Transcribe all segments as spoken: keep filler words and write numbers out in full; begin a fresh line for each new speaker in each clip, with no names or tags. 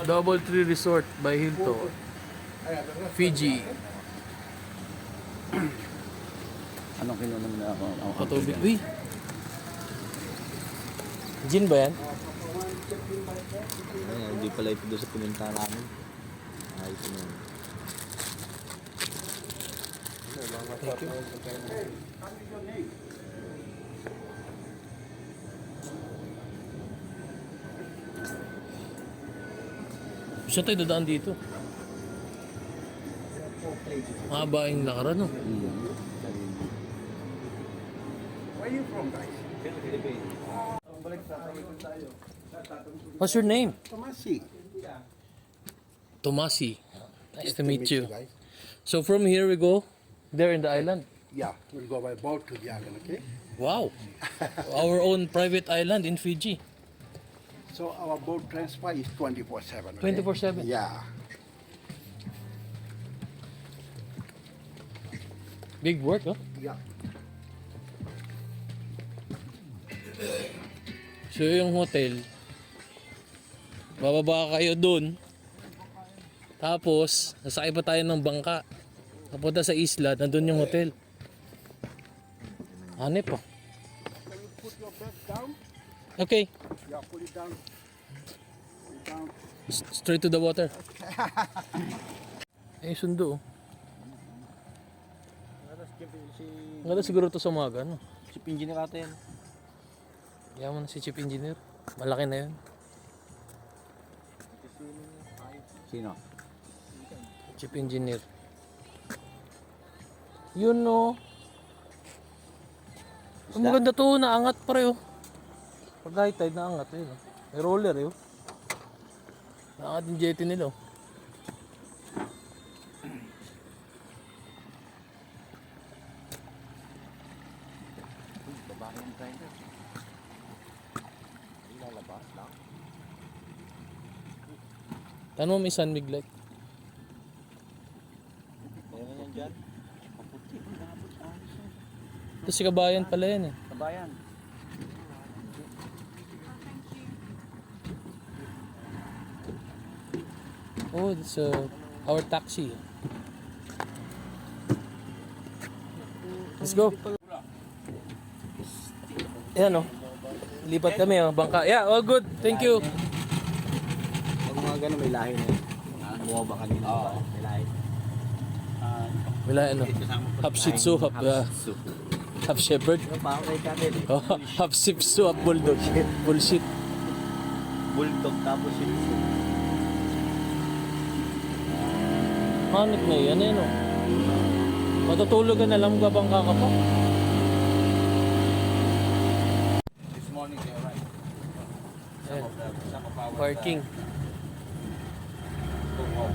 Double Tree Resort by Hilton, Fiji.
Anong kinunom na ako? Ang
Patubig. Uy! Gin ba yan?
Ay, hindi pala ito doon sa pinunta namin. Ay, ito na.
Thank you. Saan tayo dadaan dito? Mahaba yung lakaran, no?
Where are you from, guys?
What's your name?
Tomasi.
Tomasi. Nice to meet you.
guys.
So from here we go there in the island.
Yeah, we'll go by boat to the island, okay?
Wow. Our own private island in Fiji.
So our boat transfer is twenty-four seven.
twenty-four seven.
Yeah.
Big work, oh.
Yeah.
So yung hotel, bababa kayo dun. Tapos, nasakay pa tayo ng bangka. Papunta sa isla, nandun yung hotel. Hanip, oh.
Can you put your bag down?
Okay,
Yeah, put it down. Put it down.
S- straight to the water. Eh, sundo, oh.
Si,
Ang ganda siguro to sa umaga, no?
si Pinji na kata yan.
Yaman na si Chief Engineer. Malaki na yun.
Sino?
Chief Engineer. Yun, no. Ang maganda to, naangat pre, oh. Pag high tide, naangat, yun, oh. May roller, yun. Naangat yung jetty nila, oh.
Babae yung driver. Ilalabas lang.
Tanong mo may sun mig light.
Meron yan dyan.
Ito si Kabayan pala yan, eh.
Kabayan.
Oh, it's uh, our taxi. Let's go. Ayan, oh. Lipat kami, oh. Bangka. Yeah, all good. Thank you.
Pag mga gano'n may lahi na yun. Ah, buwa ba kanina? Oo. May lahi.
Wala, ano. Half Shih Tzu, half, uh, half Shepherd.
Ano pa ako kay Kamil?
Oh, half Shih Tzu, half Bulldog. Bullshit.
Bulldog tapos Shih Tzu.
Hanip na yan, eh, no? Matutulog ka na lang, gabangka ka pa.
This morning they arrived. Some
Ayan.
of the, some of our
Parking.
go home.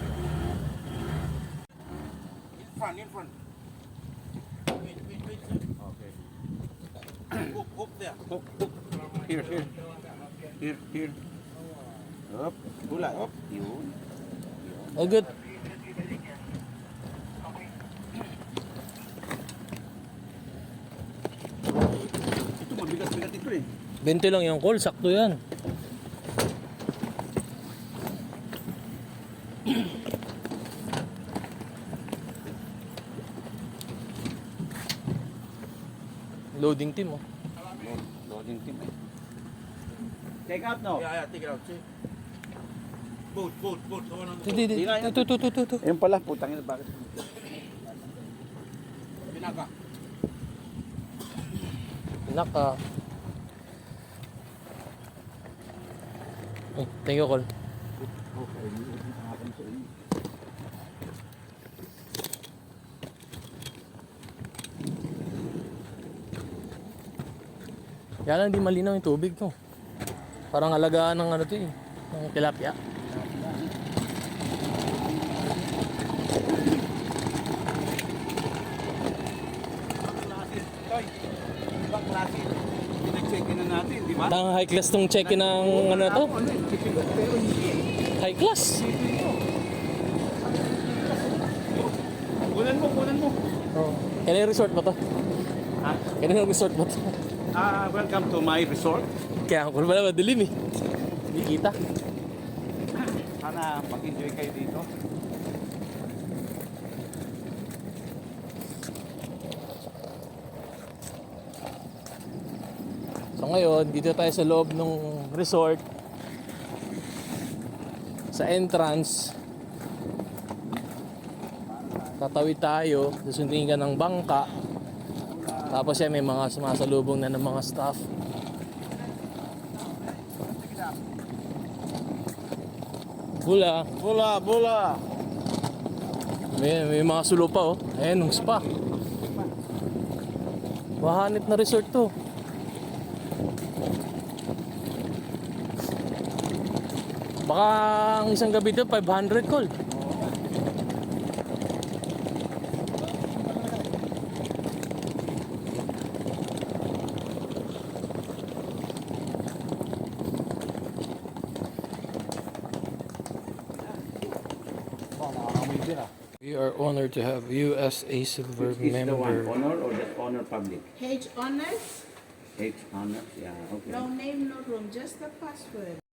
In front, in front. Wait, wait, wait.
Okay.
Hook, hook there.
Hook, hook. Here, here. Here, here. Up. Hula. Up. Yun.
All good.
Ito mabigat-bigat ito eh.
twenty lang yung call, sakto yan. Loading team, oh.
Loading team eh. Take out no?
Yeah, yeah, take it out. See? Boat, boat, boat. Someone on the
Hindi, hindi. Ito, ito, ito, ito.
Ayun pala, putang ina, bakit?
Pinaka.
Naka. Oh, thank you, call.
Okay, ang akin sa inyo.
Kaya lang di malinaw yung tubig to. Parang alagaan ng ano to eh. Ng tilapia.
Toy, ibang klase. Pinag-check-in na natin, di ba?
Tang high class tong check-in ng ano to.
Ano eh, bibigat, pero hindi eh.
High class.
Kunan mo, kunan mo.
Oh. Kailan resort ba to?
Ha?
Kailan resort ba to?
Ah, welcome to my resort.
Kaya ako pala madilim eh. Hindi kita.
Para sana mag-enjoy kayo dito.
So ngayon, dito tayo sa loob ng resort. Sa entrance. Tatawid tayo, susundin ka ng bangka. Tapos yan, may mga sumasalubong na ng mga staff. Bula.
Bula, bula!
May, may mga sulo pa oh. Ayan, yung spa. Wahanit na resort to. Baka ang isang gabi to, five hundred call. We are honored to have U S A Silver
Which is the one,
member.
honor or the honor public?
H honors,
H honor, yeah, okay.
no name, no room, just the password.